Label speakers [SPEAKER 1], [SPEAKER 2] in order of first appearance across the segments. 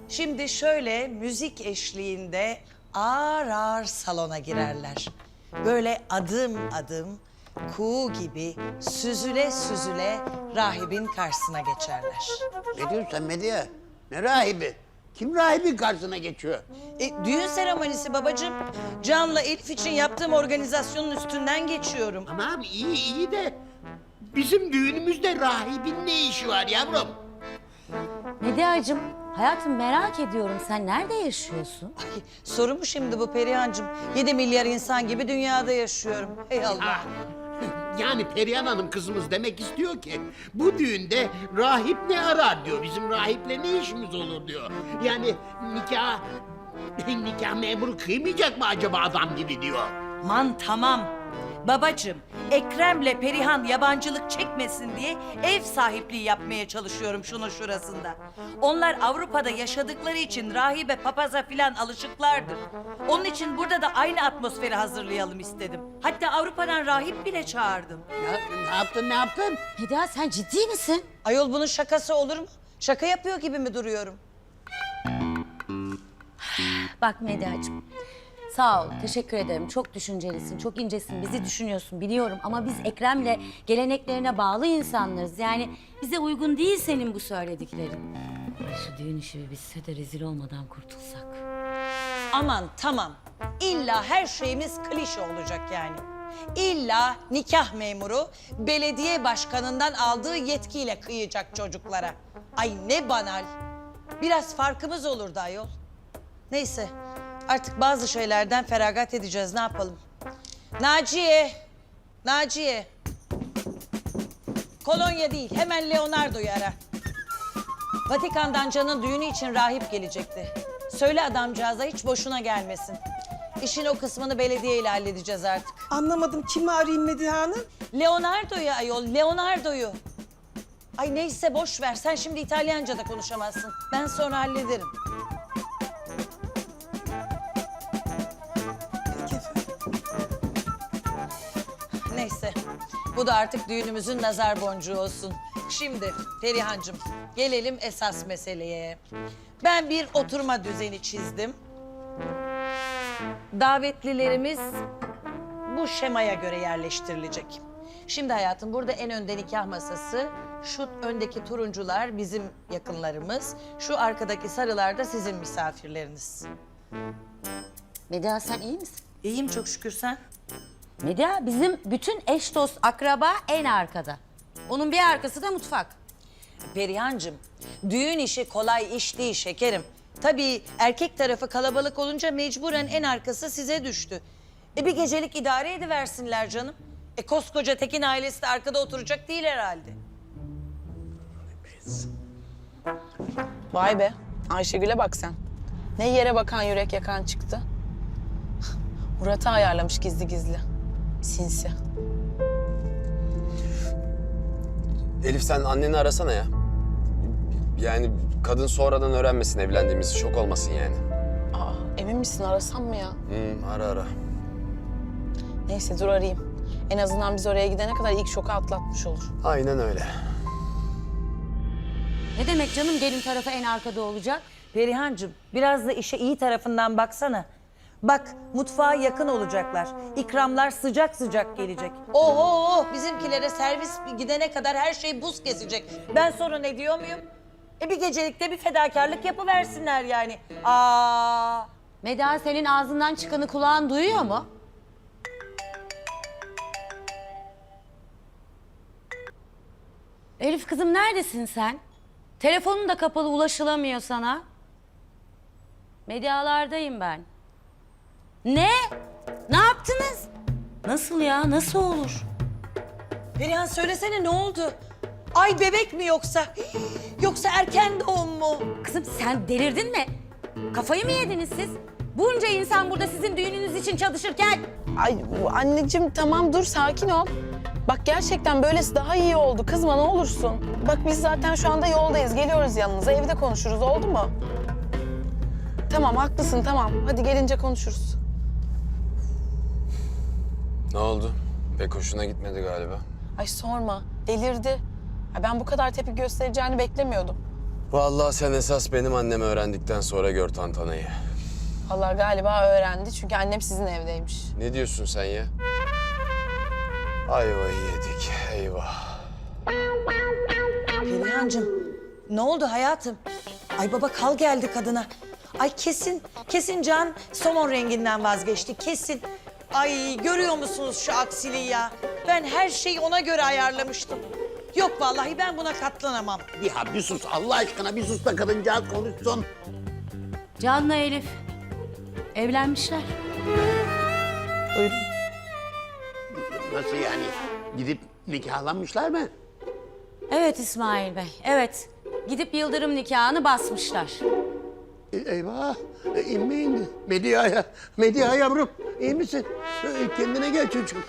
[SPEAKER 1] Şimdi şöyle müzik eşliğinde ağır ağır salona girerler. Böyle adım adım kuğu gibi süzüle süzüle rahibin karşısına geçerler.
[SPEAKER 2] Ne diyorsun sen Medya? Ne rahibi? Kim rahibin karşısına geçiyor?
[SPEAKER 1] Düğün seremonisi babacığım. Can'la Elif için yaptığım organizasyonun üstünden geçiyorum.
[SPEAKER 2] Ama abi iyi de bizim düğünümüzde rahibin ne işi var yavrum?
[SPEAKER 3] Medyacığım, hayatım merak ediyorum. Sen nerede yaşıyorsun?
[SPEAKER 1] Ay, soru mu şimdi bu Perihan'cığım? 7 milyar insan gibi dünyada yaşıyorum. Ey Allah.
[SPEAKER 2] Yani Perihan Hanım kızımız demek istiyor ki bu düğünde rahip ne arar diyor. Bizim rahiple ne işimiz olur diyor. Yani nikah memuru kıymayacak mı acaba adam gibi diyor.
[SPEAKER 1] Aman tamam. Babacığım, Ekrem'le Perihan yabancılık çekmesin diye ev sahipliği yapmaya çalışıyorum şunun şurasında. Onlar Avrupa'da yaşadıkları için rahibe papaza filan alışıklardır. Onun için burada da aynı atmosferi hazırlayalım istedim. Hatta Avrupa'dan rahip bile çağırdım.
[SPEAKER 2] Ne yaptın?
[SPEAKER 3] Medya sen ciddi misin?
[SPEAKER 1] Ayol bunun şakası olur mu? Şaka yapıyor gibi mi duruyorum?
[SPEAKER 3] Bak Medyacığım, sağ ol, teşekkür ederim. Çok düşüncelisin, çok incesin, bizi düşünüyorsun biliyorum. Ama biz Ekrem'le geleneklerine bağlı insanlarız. Yani bize uygun değil senin bu söylediklerin. Ay şu düğün işi bir bitse de rezil olmadan kurtulsak.
[SPEAKER 1] Aman tamam. İlla her şeyimiz klişe olacak yani. İlla nikah memuru belediye başkanından aldığı yetkiyle kıyacak çocuklara. Ay ne banal. Biraz farkımız olurdu ayol. Neyse artık bazı şeylerden feragat edeceğiz, ne yapalım? Naciye. Kolonya değil, hemen Leonardo'yu ara. Vatikan'dan Can'ın düğünü için rahip gelecekti. Söyle adamcağıza hiç boşuna gelmesin. İşin o kısmını belediye ile halledeceğiz artık.
[SPEAKER 4] Anlamadım, kimi arayayım Medihe Hanım?
[SPEAKER 1] Leonardo'yu ayol, Leonardo'yu. Ay neyse boş ver, sen şimdi İtalyanca da konuşamazsın. Ben sonra hallederim.
[SPEAKER 4] Peki efendim.
[SPEAKER 1] Neyse, bu da artık düğünümüzün nazar boncuğu olsun. Şimdi Perihan'cığım, gelelim esas meseleye. Ben bir oturma düzeni çizdim. Davetlilerimiz bu şemaya göre yerleştirilecek. Şimdi hayatım, burada en önde nikah masası, şu öndeki turuncular bizim yakınlarımız, şu arkadaki sarılar da sizin misafirleriniz.
[SPEAKER 3] Medya sen iyi misin?
[SPEAKER 1] İyiyim çok şükür, sen?
[SPEAKER 3] Medya bizim bütün eş dost akraba en arkada. Onun bir arkası da mutfak.
[SPEAKER 1] Perihan'cığım, düğün işi kolay iş değil şekerim. Tabii erkek tarafı kalabalık olunca mecburen en arkası size düştü. Bir gecelik idare ediversinler canım. Koskoca Tekin ailesi de arkada oturacak değil herhalde.
[SPEAKER 5] Vay be, Ayşegül'e bak sen. Ne yere bakan yürek yakan çıktı. Murat'ı ayarlamış gizli gizli. Sinsi.
[SPEAKER 6] Elif sen anneni arasana ya. Yani kadın sonradan öğrenmesin evlendiğimizi, şok olmasın yani.
[SPEAKER 5] Aa, emin misin arasam mı ya?
[SPEAKER 6] Ara.
[SPEAKER 5] Neyse dur arayayım. En azından biz oraya gidene kadar ilk şoku atlatmış olur.
[SPEAKER 6] Aynen öyle.
[SPEAKER 3] Ne demek canım gelin tarafı en arkada olacak?
[SPEAKER 1] Perihan'cığım, biraz da işe iyi tarafından baksana. Bak, mutfağa yakın olacaklar. İkramlar sıcak sıcak gelecek. Oho, bizimkilere servis gidene kadar her şey buz kesecek. Ben sonra ne diyor muyum? Bir gecelikte bir fedakarlık yapıversinler yani. Aa.
[SPEAKER 3] Medya senin ağzından çıkanı kulağın duyuyor mu? Elif kızım neredesin sen? Telefonun da kapalı ulaşılamıyor sana. Medyalardayım ben. Ne? Ne yaptınız? Nasıl ya? Nasıl olur?
[SPEAKER 1] Perihan söylesene, ne oldu? Ay bebek mi yoksa? Yoksa erken doğum mu?
[SPEAKER 3] Kızım sen delirdin mi? Kafayı mı yediniz siz? Bunca insan burada sizin düğününüz için çalışırken.
[SPEAKER 5] Ay anneciğim tamam dur sakin ol. Bak gerçekten böylesi daha iyi oldu. Kızma ne olursun. Bak biz zaten şu anda yoldayız. Geliyoruz yanınıza. Evde konuşuruz oldu mu? Tamam haklısın tamam. Hadi gelince konuşuruz.
[SPEAKER 6] Ne oldu? Pek hoşuna gitmedi galiba.
[SPEAKER 5] Ay sorma. Delirdi. Ay, ben bu kadar tepki göstereceğini beklemiyordum.
[SPEAKER 6] Vallahi sen esas benim annemi öğrendikten sonra gör tantanayı.
[SPEAKER 5] Allah galiba öğrendi çünkü annem sizin evdeymiş.
[SPEAKER 6] Ne diyorsun sen ya? Ayvayı yedik, eyvah.
[SPEAKER 1] Perihancığım ne oldu hayatım? Ay baba kal geldi kadına. Ay kesin Can somon renginden vazgeçti kesin. Ay görüyor musunuz şu aksiliği ya? Ben her şeyi ona göre ayarlamıştım. Yok vallahi ben buna katlanamam.
[SPEAKER 2] Ya bir sus Allah aşkına bir sus da kadıncağız konuşsun.
[SPEAKER 3] Can'la Elif evlenmişler.
[SPEAKER 5] Buyurun.
[SPEAKER 2] Nasıl yani? Gidip nikahlanmışlar mı?
[SPEAKER 3] Evet İsmail Bey, evet. Gidip yıldırım nikahını basmışlar.
[SPEAKER 2] Eyvah. İnme indi. Medya yavrum. İyi misin? Kendine gel çocuğum.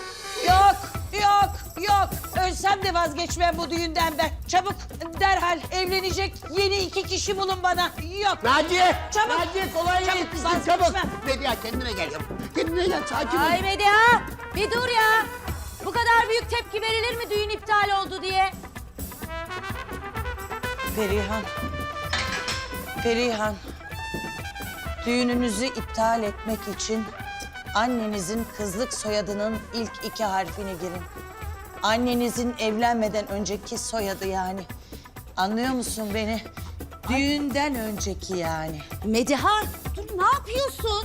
[SPEAKER 1] Yok. Ölsem de vazgeçmem bu düğünden ben. Çabuk derhal evlenecek yeni 2 kişi bulun bana. Yok.
[SPEAKER 2] Naciye!
[SPEAKER 1] Çabuk.
[SPEAKER 2] Naciye kolay
[SPEAKER 1] Çabuk,
[SPEAKER 2] gelsin.
[SPEAKER 1] vazgeçmem.
[SPEAKER 2] Çabuk. Medya kendine gel yavrum. Kendine gel sakin ol.
[SPEAKER 3] Ay Medya, bir dur ya. Bu kadar büyük tepki verilir mi düğün iptal oldu diye?
[SPEAKER 1] Perihan. Düğününüzü iptal etmek için annenizin kızlık soyadının ilk 2 harfini girin. Annenizin evlenmeden önceki soyadı yani. Anlıyor musun beni? Düğünden önceki yani.
[SPEAKER 3] Mediha, dur ne yapıyorsun?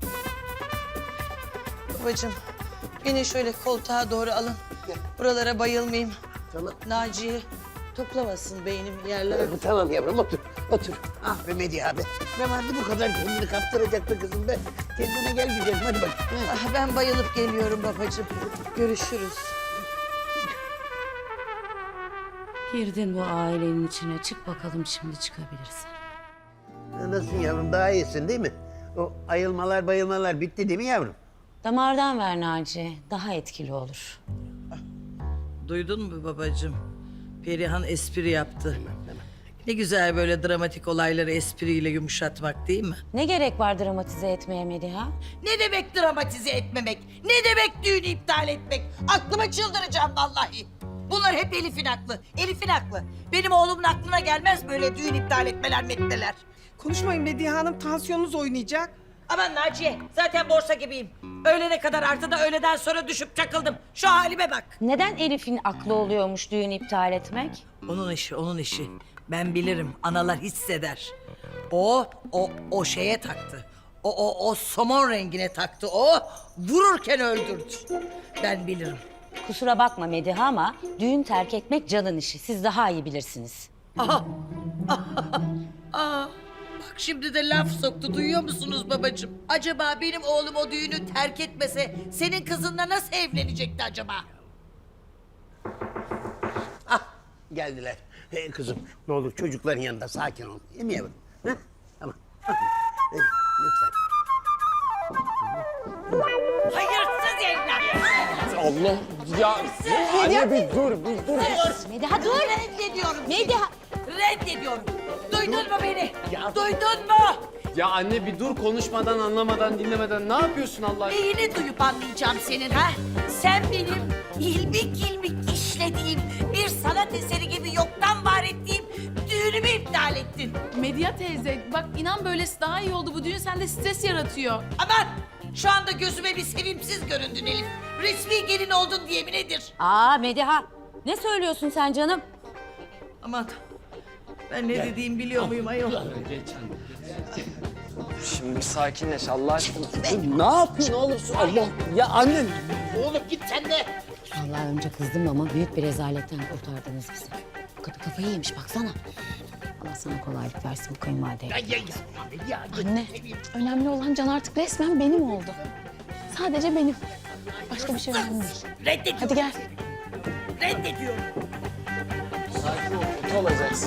[SPEAKER 1] Babacığım beni şöyle koltuğa doğru alın. Buralara bayılmayayım.
[SPEAKER 2] Tamam.
[SPEAKER 1] Naciye toplamasın beynim yerler.
[SPEAKER 2] Tamam yavrum otur. Ah be Medya abi. Ne vardı bu kadar kendini kaptıracaktı kızım be. Kendine gel güzelim hadi bak.
[SPEAKER 1] Ah, ben bayılıp geliyorum babacığım. Görüşürüz.
[SPEAKER 3] Girdin bu ailenin içine. Çık bakalım şimdi çıkabilirsin.
[SPEAKER 2] Nasılsın yavrum daha iyisin değil mi? O ayılmalar bayılmalar bitti değil mi yavrum?
[SPEAKER 3] Damardan ver Naci. Daha etkili olur.
[SPEAKER 7] Duydun mu babacığım? Perihan espri yaptı. Ne güzel böyle dramatik olayları espriyle yumuşatmak değil mi?
[SPEAKER 3] Ne gerek var dramatize etmeye Mediha?
[SPEAKER 1] Ne demek dramatize etmemek? Ne demek düğünü iptal etmek? Aklıma çıldıracağım vallahi. Bunlar hep Elif'in aklı. Elif'in aklı. Benim oğlumun aklına gelmez böyle düğün iptal etmeler metneler.
[SPEAKER 4] Konuşmayın Medihe Hanım, tansiyonunuz oynayacak.
[SPEAKER 1] Aman Naciye zaten borsa gibiyim. Öğlene kadar arttı da öğleden sonra düşüp çakıldım. Şu halime bak.
[SPEAKER 3] Neden Elif'in aklı oluyormuş düğün iptal etmek?
[SPEAKER 7] Onun işi. Ben bilirim. Analar hisseder. O şeye taktı. O somon rengine taktı. O vururken öldürdü. Ben bilirim.
[SPEAKER 3] Kusura bakma Mediha ama düğün terk etmek Can'ın işi. Siz daha iyi bilirsiniz.
[SPEAKER 7] Aha. Bak şimdi de laf soktu. Duyuyor musunuz babacığım? Acaba benim oğlum o düğünü terk etmese senin kızınla nasıl evlenecekti acaba?
[SPEAKER 2] Ah geldiler. Kızım ne olur çocukların yanında sakin ol. Değil mi yavrum? Ha? Tamam. Lütfen.
[SPEAKER 1] Hayırsız evlat.
[SPEAKER 6] Allah ya anne bir dur.
[SPEAKER 3] Mediha dur!
[SPEAKER 1] Reddediyorum.
[SPEAKER 3] Mediha!
[SPEAKER 1] Reddediyorum. Duydun mu beni? Duydun mu?
[SPEAKER 6] Ya anne bir dur konuşmadan anlamadan dinlemeden ne yapıyorsun Allah aşkına?
[SPEAKER 1] Neyini duyup anlayacağım senin ha? Sen benim ilmik işlediğim bir sanat eseri gibi yoktan var ettiğim düğünümü iptal ettin.
[SPEAKER 8] Medya teyze bak inan böylesi daha iyi oldu. Bu düğün sende stres yaratıyor.
[SPEAKER 1] Aman şu anda gözüme bir sevimsiz göründün Elif. Resmi gelin oldun diye mi nedir?
[SPEAKER 3] Aa Mediha! Ne söylüyorsun sen canım?
[SPEAKER 7] Aman ben ne dediğimi biliyor muyum ayol?
[SPEAKER 6] Şimdi bir sakinleş Allah aşkına. Ne yapıyorsun oğlum? Allah ya anne.
[SPEAKER 2] Oğlum git sen de.
[SPEAKER 3] Vallahi önce kızdım ama büyük bir rezaletten kurtardınız bizi. Kadın kafayı yemiş baksana. Allah sana kolaylık versin bu kayınvalideye.
[SPEAKER 5] Anne, önemli olan Can artık resmen benim oldu. Sadece benim. Başka bir şey önemli değil.
[SPEAKER 1] Reddediyorum.
[SPEAKER 5] Hadi gel.
[SPEAKER 1] Reddediyorum.
[SPEAKER 6] Sakin ol, kötü olacaksın.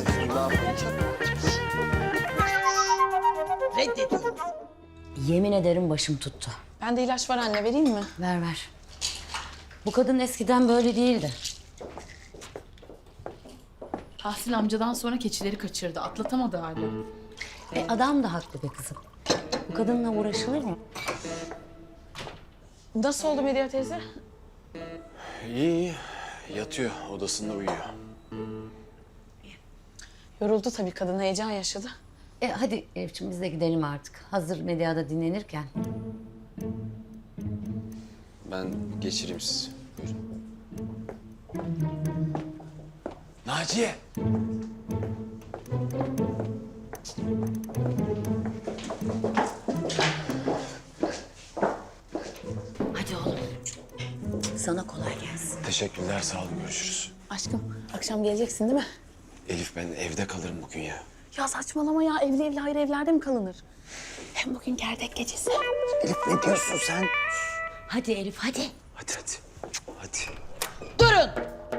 [SPEAKER 1] Reddediyorum.
[SPEAKER 3] Yemin ederim başım tuttu.
[SPEAKER 5] Bende ilaç var anne, vereyim mi?
[SPEAKER 3] Ver ver. Bu kadın eskiden böyle değildi.
[SPEAKER 8] Tahsin amcadan sonra keçileri kaçırdı. Atlatamadı hala.
[SPEAKER 3] Adam da haklı be kızım. Bu kadınla uğraşılır mı?
[SPEAKER 5] Nasıl oldu Medya teyze?
[SPEAKER 6] İyi, yatıyor odasında uyuyor.
[SPEAKER 5] Yoruldu tabii kadın, heyecan yaşadı.
[SPEAKER 3] Hadi Elif'ciğim biz de gidelim artık. Hazır medyada dinlenirken.
[SPEAKER 6] Ben geçireyim sizi. Buyurun. Naciye!
[SPEAKER 3] Hadi oğlum. Sana kolay gelsin.
[SPEAKER 6] Teşekkürler, sağ olun. Görüşürüz.
[SPEAKER 5] Aşkım, akşam geleceksin değil mi?
[SPEAKER 6] Elif, ben evde kalırım bugün ya.
[SPEAKER 5] Ya saçmalama ya, evli evli hayır evlerde mi kalınır? Hem bugün gerdek gecesi.
[SPEAKER 6] Elif, ne diyorsun sen?
[SPEAKER 3] Hadi Elif hadi.
[SPEAKER 6] Hadi hadi. Hadi.
[SPEAKER 1] Durun!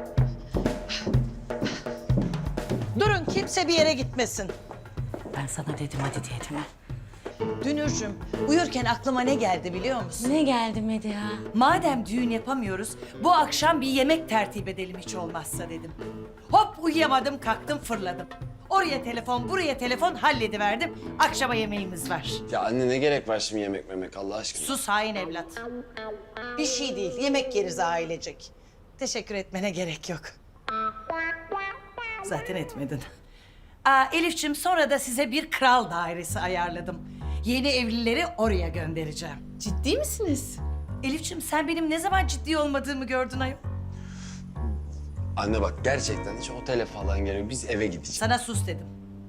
[SPEAKER 1] Durun, kimse bir yere gitmesin.
[SPEAKER 3] Ben sana dedim hadi diye değil mi?
[SPEAKER 1] Dünürcüm, uyurken aklıma ne geldi biliyor musun?
[SPEAKER 3] Ne geldi Medya?
[SPEAKER 7] Madem düğün yapamıyoruz, bu akşam bir yemek tertip edelim hiç olmazsa dedim. Hop uyuyamadım, kalktım fırladım. Oraya telefon, buraya telefon hallediverdim. Akşama yemeğimiz var.
[SPEAKER 6] Ya anne, ne gerek var şimdi yemek memek Allah aşkına?
[SPEAKER 1] Sus hain evlat. Bir şey değil, yemek yeriz ailecek. Teşekkür etmene gerek yok.
[SPEAKER 7] Zaten etmedin. Elif'ciğim sonra da size bir kral dairesi ayarladım. Yeni evlileri oraya göndereceğim.
[SPEAKER 8] Ciddi misiniz?
[SPEAKER 7] Elif'ciğim sen benim ne zaman ciddi olmadığımı gördün ayol.
[SPEAKER 6] Anne bak, gerçekten hiç otele falan gerek yok. Biz eve gideceğiz.
[SPEAKER 7] Sana sus dedim.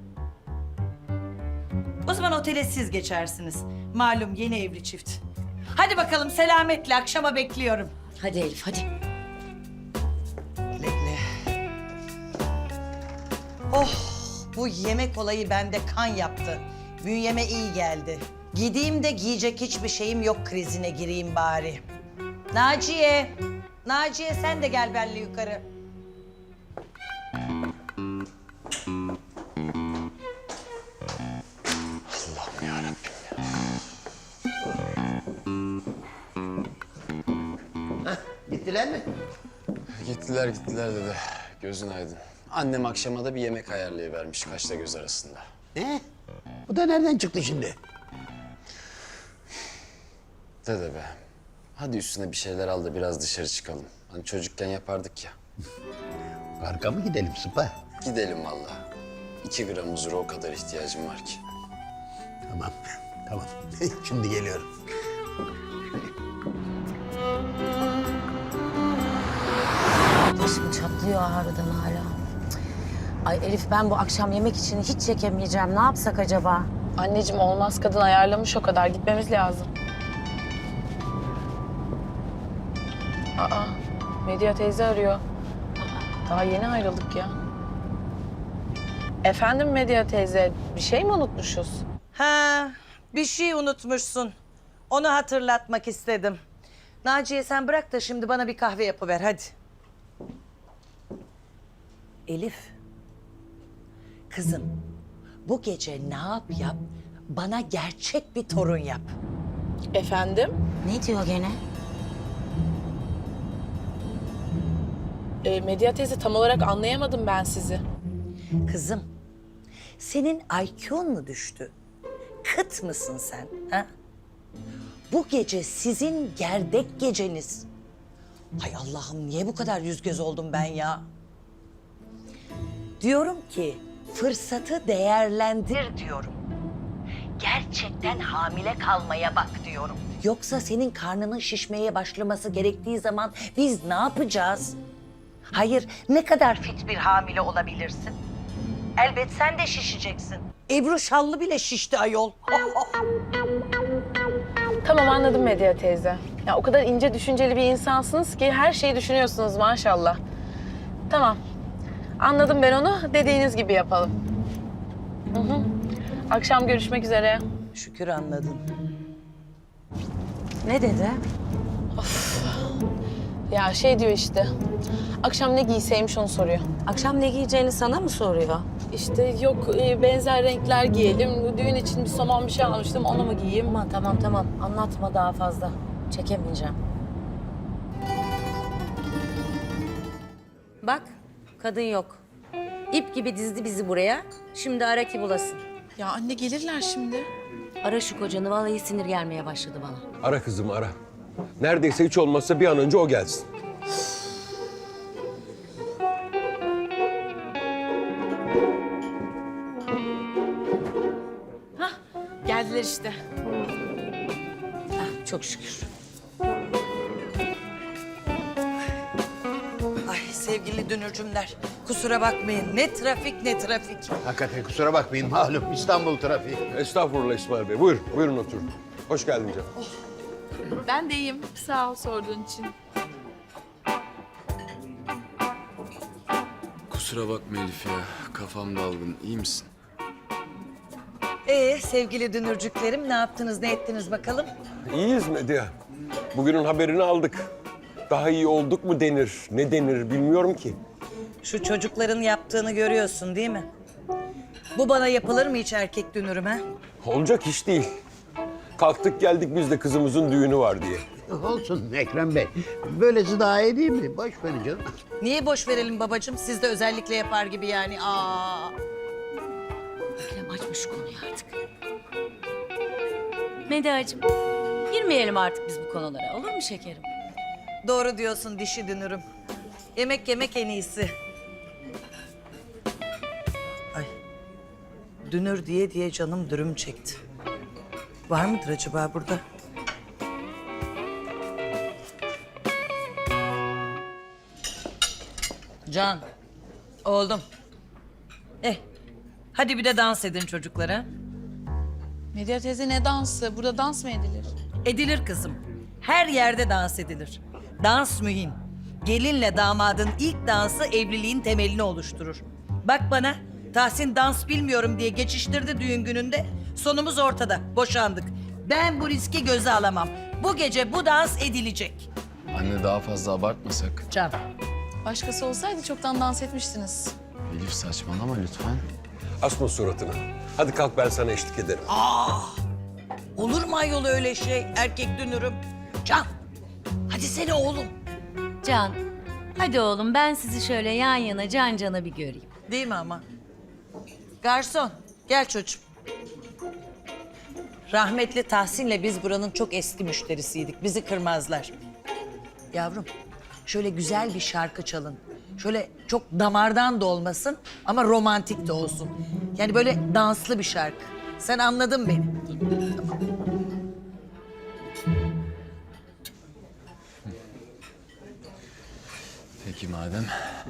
[SPEAKER 7] O zaman otele siz geçersiniz. Malum yeni evli çift. Hadi bakalım selametle, akşama bekliyorum.
[SPEAKER 3] Hadi Elif hadi.
[SPEAKER 1] Güle güle. Oh, bu yemek olayı bende kan yaptı. Bünyeme iyi geldi. Gideyim de giyecek hiçbir şeyim yok krizine gireyim bari. Naciye, Naciye sen de gel benimle yukarı.
[SPEAKER 6] Allah'ım yarabbim ya.
[SPEAKER 2] Gittiler mi?
[SPEAKER 6] Gittiler dede. Gözün aydın. Annem akşama da bir yemek ayarlayıvermiş kaşla göz arasında.
[SPEAKER 2] Ne? Bu da nereden çıktı şimdi?
[SPEAKER 6] Dede be. Hadi üstüne bir şeyler al da biraz dışarı çıkalım. Hani çocukken yapardık ya.
[SPEAKER 2] Parka mı gidelim Sıpa?
[SPEAKER 6] Gidelim vallahi. 2 gram huzura o kadar ihtiyacım var ki.
[SPEAKER 2] Tamam, tamam. Şimdi geliyorum.
[SPEAKER 3] Başım çatlıyor ağrıdan hala. Cık. Ay Elif ben bu akşam yemek için hiç çekemeyeceğim. Ne yapsak acaba?
[SPEAKER 5] Anneciğim olmaz, kadın ayarlamış o kadar, gitmemiz lazım. Aa, Medya teyze arıyor. Daha yeni ayrıldık ya. Efendim Medya teyze, bir şey mi unutmuşuz?
[SPEAKER 1] Ha, bir şey unutmuşsun. Onu hatırlatmak istedim. Naciye sen bırak da şimdi bana bir kahve yapıver hadi. Elif. Kızım, bu gece ne yap, bana gerçek bir torun yap.
[SPEAKER 5] Efendim?
[SPEAKER 3] Ne diyor gene?
[SPEAKER 5] Medya teyze tam olarak anlayamadım ben sizi.
[SPEAKER 1] Kızım, senin IQ'un mu düştü? Kıt mısın sen? Ha? Bu gece sizin gerdek geceniz. Hay Allah'ım niye bu kadar yüz göz oldum ben ya? Diyorum ki fırsatı değerlendir diyorum. Gerçekten hamile kalmaya bak diyorum. Yoksa senin karnının şişmeye başlaması gerektiği zaman biz ne yapacağız? Hayır, ne kadar fit bir hamile olabilirsin? Elbet sen de şişeceksin. Ebru Şallı bile şişti ayol.
[SPEAKER 5] Tamam anladım Medya teyze. Ya o kadar ince düşünceli bir insansınız ki her şeyi düşünüyorsunuz maşallah. Tamam. Anladım ben onu. Dediğiniz gibi yapalım. Hı hı. Akşam görüşmek üzere.
[SPEAKER 1] Şükür anladın.
[SPEAKER 3] Ne dedi?
[SPEAKER 5] Ya şey diyor işte. Akşam ne giyseymiş onu soruyor.
[SPEAKER 3] Akşam ne giyeceğini sana mı soruyor?
[SPEAKER 5] İşte yok benzer renkler giyelim. Düğün için bir saman bir şey almıştım. Onu mu giyeyim?
[SPEAKER 3] Tamam tamam anlatma daha fazla. Çekemeyeceğim. Bak kadın yok. İp gibi dizdi bizi buraya. Şimdi ara ki bulasın.
[SPEAKER 8] Ya anne gelirler şimdi.
[SPEAKER 3] Ara şu kocanı vallahi sinir gelmeye başladı bana.
[SPEAKER 9] Ara kızım ara. Neredeyse hiç olmazsa bir an önce o gelsin.
[SPEAKER 8] Geldiler işte.
[SPEAKER 3] Ah, çok şükür.
[SPEAKER 1] Ay sevgili dünürcümler, kusura bakmayın. Ne trafik ne trafik.
[SPEAKER 2] Hakikaten kusura bakmayın malum İstanbul trafiği.
[SPEAKER 9] Estağfurullah İsmail Bey. Buyurun, buyurun oturun. Hoş geldin canım.
[SPEAKER 8] Ben de iyiyim. Sağ ol sorduğun için.
[SPEAKER 6] Kusura bakma Elif ya. Kafam dalgın. İyi misin?
[SPEAKER 1] Sevgili dünürcüklerim ne yaptınız ne ettiniz bakalım?
[SPEAKER 9] İyiyiz Medya. Bugünün haberini aldık. Daha iyi olduk mu denir, ne denir bilmiyorum ki.
[SPEAKER 1] Şu çocukların yaptığını görüyorsun değil mi? Bu bana yapılır mı hiç erkek dünürüm ha?
[SPEAKER 9] Olacak iş değil. Kalktık geldik biz de kızımızın düğünü var diye.
[SPEAKER 2] Olsun Ekrem Bey. Böylesi daha iyi değil mi? Boş verin canım.
[SPEAKER 1] Niye boş verelim babacığım? Siz de özellikle yapar gibi yani. Aa.
[SPEAKER 3] Ekrem açma şu konuyu artık. Medyacığım, girmeyelim artık biz bu konulara. Olur mu şekerim?
[SPEAKER 1] Doğru diyorsun dişi dünürüm. Yemek yemek en iyisi. Ay. Dünür diye diye canım dürüm çekti. Var mıdır acaba burada? Can. Oğlum. Hadi bir de dans edin çocuklara.
[SPEAKER 8] Medya teyze ne dansı? Burada dans mı edilir?
[SPEAKER 1] Edilir kızım. Her yerde dans edilir. Dans mühim. Gelinle damadın ilk dansı evliliğin temelini oluşturur. Bak bana, Tahsin dans bilmiyorum diye geçiştirdi düğün gününde. Sonumuz ortada, boşandık. Ben bu riski göze alamam. Bu gece bu dans edilecek.
[SPEAKER 6] Anne daha fazla abartmasak.
[SPEAKER 1] Can.
[SPEAKER 8] Başkası olsaydı çoktan dans etmiştiniz.
[SPEAKER 6] Elif saçmalama lütfen.
[SPEAKER 9] Asma suratını. Hadi kalk ben sana eşlik ederim.
[SPEAKER 1] Olur mu ayol öyle şey erkek dünürüm? Can, hadi seni oğlum.
[SPEAKER 3] Can, hadi oğlum ben sizi şöyle yan yana can cana bir göreyim.
[SPEAKER 1] Değil mi ama? Garson, gel çocuğum. Rahmetli Tahsin'le biz buranın çok eski müşterisiydik. Bizi kırmazlar. Yavrum, şöyle güzel bir şarkı çalın. Şöyle çok damardan da olmasın ama romantik de olsun. Yani böyle danslı bir şarkı. Sen anladın beni.
[SPEAKER 6] Peki madem.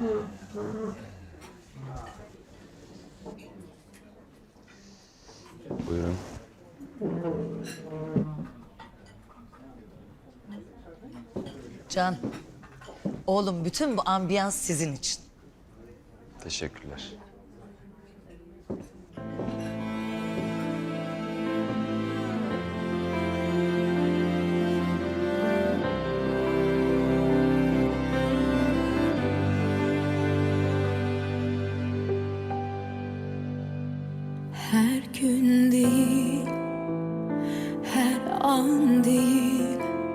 [SPEAKER 6] Buyurun.
[SPEAKER 1] Can, oğlum bütün bu ambiyans sizin için.
[SPEAKER 6] Teşekkürler.
[SPEAKER 10] Her gün değil, her an değil,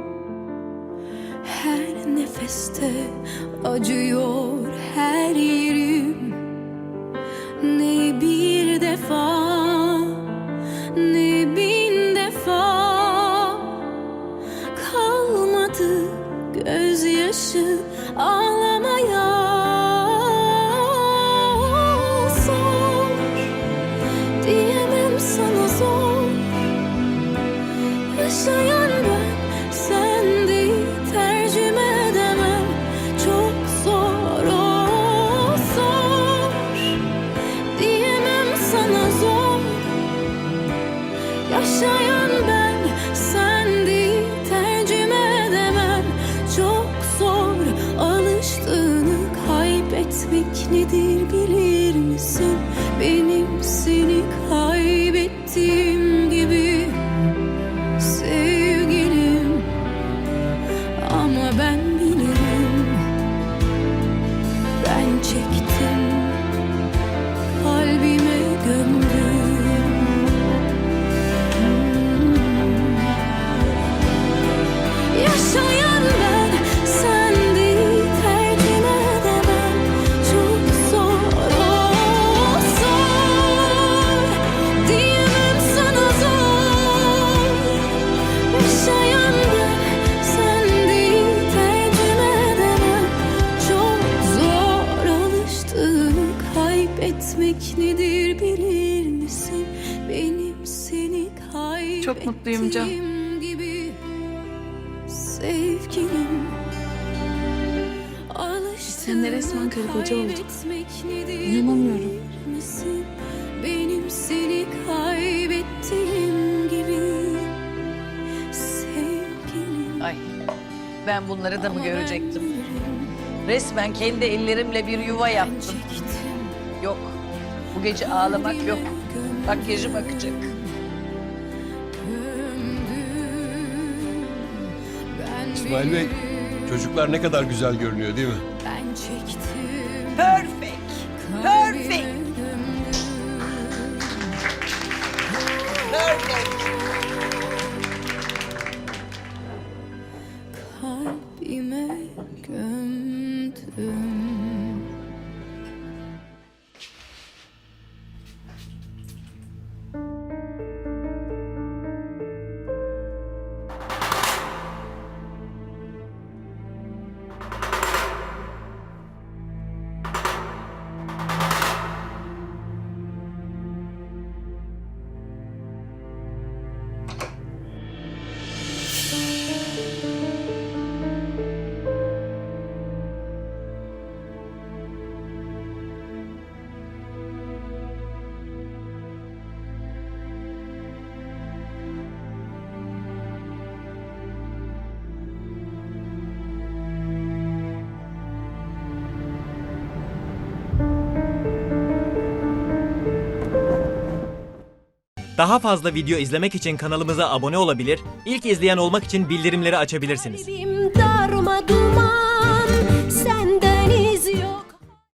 [SPEAKER 10] her nefeste acıyor her yerim. Ne bir defa, ne bin defa kalmadı gözyaşı ağlamaya. Diyemem sana zor. Yaşayan ben, sen değil, tercüme edemem. Çok zor, o zor. Diyemem sana zor. Yaşayan ben, sen değil, tercüme edemem. Çok zor, alıştığını kaybetmek nedir bilir misin? Benim seni kaybettiğim gibi sevgilim, ama ben bilirim, ben çektim, kalbime gömdüm.
[SPEAKER 8] çok mutluyum Can.
[SPEAKER 10] Gibi sevgilim.
[SPEAKER 8] Sen de resmen karı koca olduk. İnanamıyorum.
[SPEAKER 10] Benim seni kaybettiğim gibi sevgilim.
[SPEAKER 7] Ay, ben bunları da mı görecektim? Resmen kendi ellerimle bir yuva yaptım. Yok, bu gece ağlamak yok. Makyajım akacak.
[SPEAKER 9] İsmail Bey, çocuklar ne kadar güzel görünüyor değil mi?
[SPEAKER 10] Ben çektim.
[SPEAKER 7] Perfect, perfect, perfect.
[SPEAKER 10] Kalbime gömdüm.
[SPEAKER 11] Daha fazla video izlemek için kanalımıza abone olabilir, ilk izleyen olmak için bildirimleri açabilirsiniz.
[SPEAKER 10] Kalbim darma duman.